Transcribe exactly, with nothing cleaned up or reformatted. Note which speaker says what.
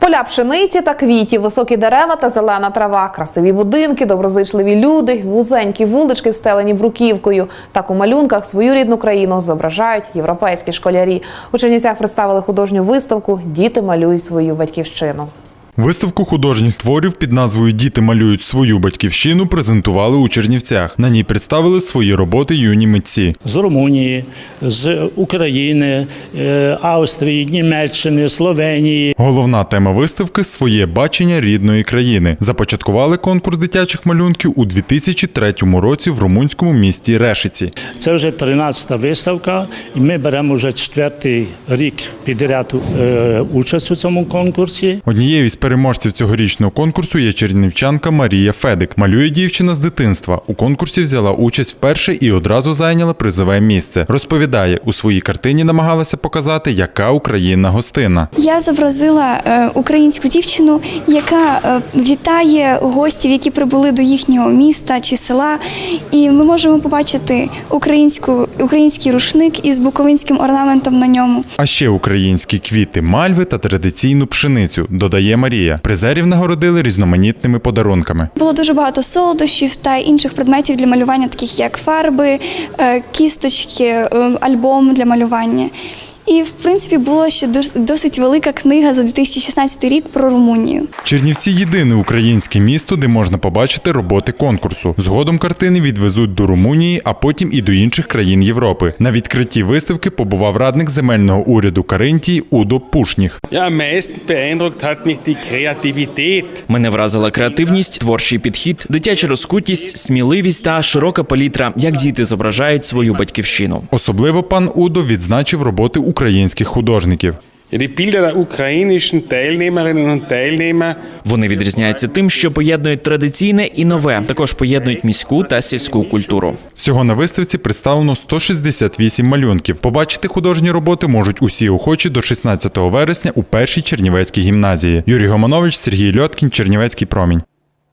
Speaker 1: Поля пшениці та квітів, високі дерева та зелена трава, красиві будинки, доброзичливі люди, вузенькі вулички, встелені бруківкою. Так у малюнках свою рідну країну зображають європейські школярі. У Чернівцях представили художню виставку «Діти малюють свою батьківщину».
Speaker 2: Виставку художніх творів під назвою «Діти малюють свою батьківщину» презентували у Чернівцях. На ній представили свої роботи юні митці.
Speaker 3: З Румунії, з України, Австрії, Німеччини, Словенії.
Speaker 2: Головна тема виставки – своє бачення рідної країни. Започаткували конкурс дитячих малюнків у дві тисячі третьому році в румунському місті Решиці.
Speaker 3: Це вже тринадцята виставка, і ми беремо вже четвертий рік підряд участь у цьому конкурсі.
Speaker 2: Однією із переможців цьогорічного конкурсу є чернівчанка Марія Федик. Малює дівчина з дитинства. У конкурсі взяла участь вперше і одразу зайняла призове місце. Розповідає, у своїй картині намагалася показати, яка Україна гостинна.
Speaker 4: Я зобразила е, українську дівчину, яка е, вітає гостів, які прибули до їхнього міста чи села. І ми можемо побачити українську, український рушник із буковинським орнаментом на ньому.
Speaker 2: А ще українські квіти, мальви та традиційну пшеницю, додає Марія. Призерів нагородили різноманітними подарунками.
Speaker 4: Було дуже багато солодощів та інших предметів для малювання, таких як фарби, е, кісточки, е, альбом для малювання. І, в принципі, була ще досить велика книга за дві тисячі шістнадцятий рік про Румунію.
Speaker 2: Чернівці – єдине українське місто, де можна побачити роботи конкурсу. Згодом картини відвезуть до Румунії, а потім і до інших країн Європи. На відкритті виставки побував радник земельного уряду Каринтії Удо Пушніх.
Speaker 5: Мене вразила креативність, творчий підхід, дитяча розкутість, сміливість та широка палітра, як діти зображають свою батьківщину.
Speaker 2: Особливо пан Удо відзначив роботи українських художників.
Speaker 5: Вони відрізняються тим, що поєднують традиційне і нове, також поєднують міську та сільську культуру.
Speaker 2: Всього на виставці представлено сто шістдесят вісім малюнків. Побачити художні роботи можуть усі охочі до шістнадцятого вересня у першій Чернівецькій гімназії. Юрій Гоманович, Сергій Льоткін, Чернівецький промінь.